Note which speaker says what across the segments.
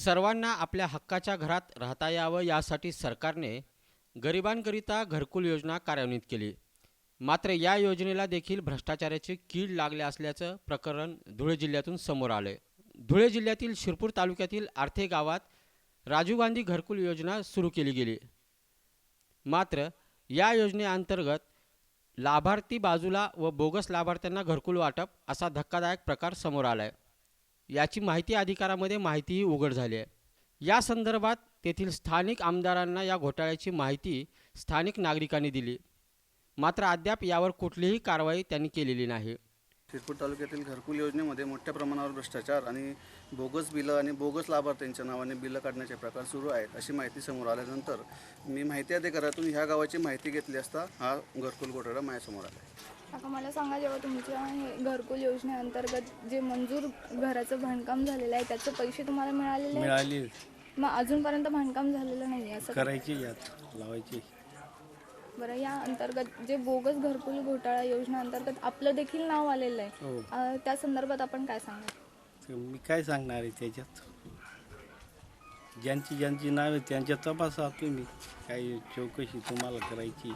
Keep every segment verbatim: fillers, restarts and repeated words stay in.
Speaker 1: सर्वांना आपल्या हक्काच्या घरात राहता यावं यासाठी सरकारने गरिबांकरिता घरकुल योजना कार्यान्वित केली। मात्र या योजनेला देखील भ्रष्टाचाराची कीड लागले असल्याचं प्रकरण धुळे जिल्ह्यातून समोर आले। धुळे जिल्ह्यातील शिरपूर तालुक्यातील आर्थे गावात राजीव गांधी घरकुल योजना सुरू केली गेली। मात्र या योजनेअंतर्गत लाभार्थी बाजूला व बोगस लाभार्थ्यांना घरकुल वाटप असा धक्कादायक प्रकार समोर आलाय। याची माहिती अधिकारामध्ये माहितीही उघड झाली आहे। या संदर्भात तेथील स्थानिक आमदारांना या घोटाळ्याची माहिती स्थानिक नागरिकांनी दिली। मात्र अद्याप यावर कुठलीही कारवाई त्यांनी केलेली नाही।
Speaker 2: शिरपूर तालुक्यातील घरकुल योजनेमध्ये मोठ्या प्रमाणावर भ्रष्टाचार आणि बोगस बिलं आणि बोगस लाभार्थ्यांच्या नावाने बिलं काढण्याचे प्रकार सुरू आहेत अशी माहिती समोर आल्यानंतर मी माहिती अधिकारातून ह्या गावाची माहिती घेतली असता हा घरकुल घोटाळा माझ्यासमोर आला।
Speaker 3: आता मला सांगा, जेव्हा तुमच्या हे घरकुल योजनेअंतर्गत जे मंजूर घराचं बांधकाम झालेलं आहे त्याचे पैसे तुम्हाला मिळालेले
Speaker 4: मिळाली?
Speaker 3: मग अजूनपर्यंत बांधकाम झालेलं नाही असं
Speaker 4: करायची यात लावायची।
Speaker 3: बरं, या अंतर्गत जे बोगस घरकुल घोटाळा योजना अंतर्गत आपलं देखील नाव आलेलं आहे,
Speaker 4: हो।
Speaker 3: अ, त्या संदर्भात आपण काय सांगाल?
Speaker 4: मी काय सांगणार आहे त्याच्यात? ज्यांची ज्यांची नावे त्यांच्या तपासा तुम्ही, काही चौकशी तुम्हाला करायची।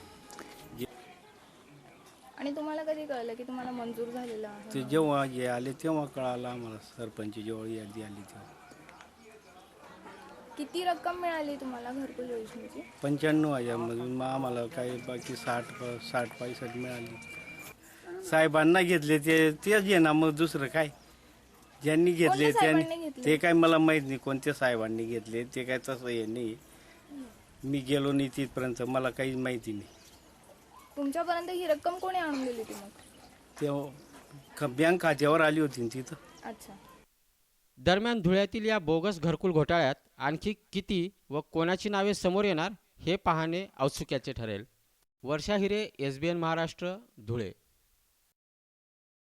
Speaker 3: आणि तुम्हाला कधी कळलं की तुम्हाला मंजूर झालेलं आहे?
Speaker 4: ते जेव्हा हे आले तेव्हा कळालं आम्हाला, सरपंच जेव्हा यादी आली तेव्हा।
Speaker 3: किती रक्कम मिळाली तुम्हाला घरकुल योजनेची?
Speaker 4: पंच्याण्णव हजारमधून मग आम्हाला काही बाकी साठ साठ पैसठ मिळाली। साहेबांना घेतले ते तेच आहे ना, मग दुसरं काय? ज्यांनी घेतले
Speaker 3: कोणत्या साहेबांनी
Speaker 4: त्यांनी,
Speaker 3: घेतले?
Speaker 4: ते काय मला माहीत नाही कोणत्या साहेबांनी घेतले, ते काय तसं हे नाही। मी गेलो नाही तिथपर्यंत, मला काहीच माहिती नाही।
Speaker 3: तुमच्यापर्यंत ही रक्कम कोणी आणून दिली ती मग?
Speaker 4: तेव्हा बँक खात्यावर आली होती ना तिथं।
Speaker 3: अच्छा।
Speaker 1: दरम्यान धुळ्यातील या बोगस घरकुल घोटाळ्यात आणखी किती व कोणाची नावे समोर येणार हे पाहणे औत्सुक्याचे ठरेल। Varsha Hire, S B N Maharashtra, Dhule.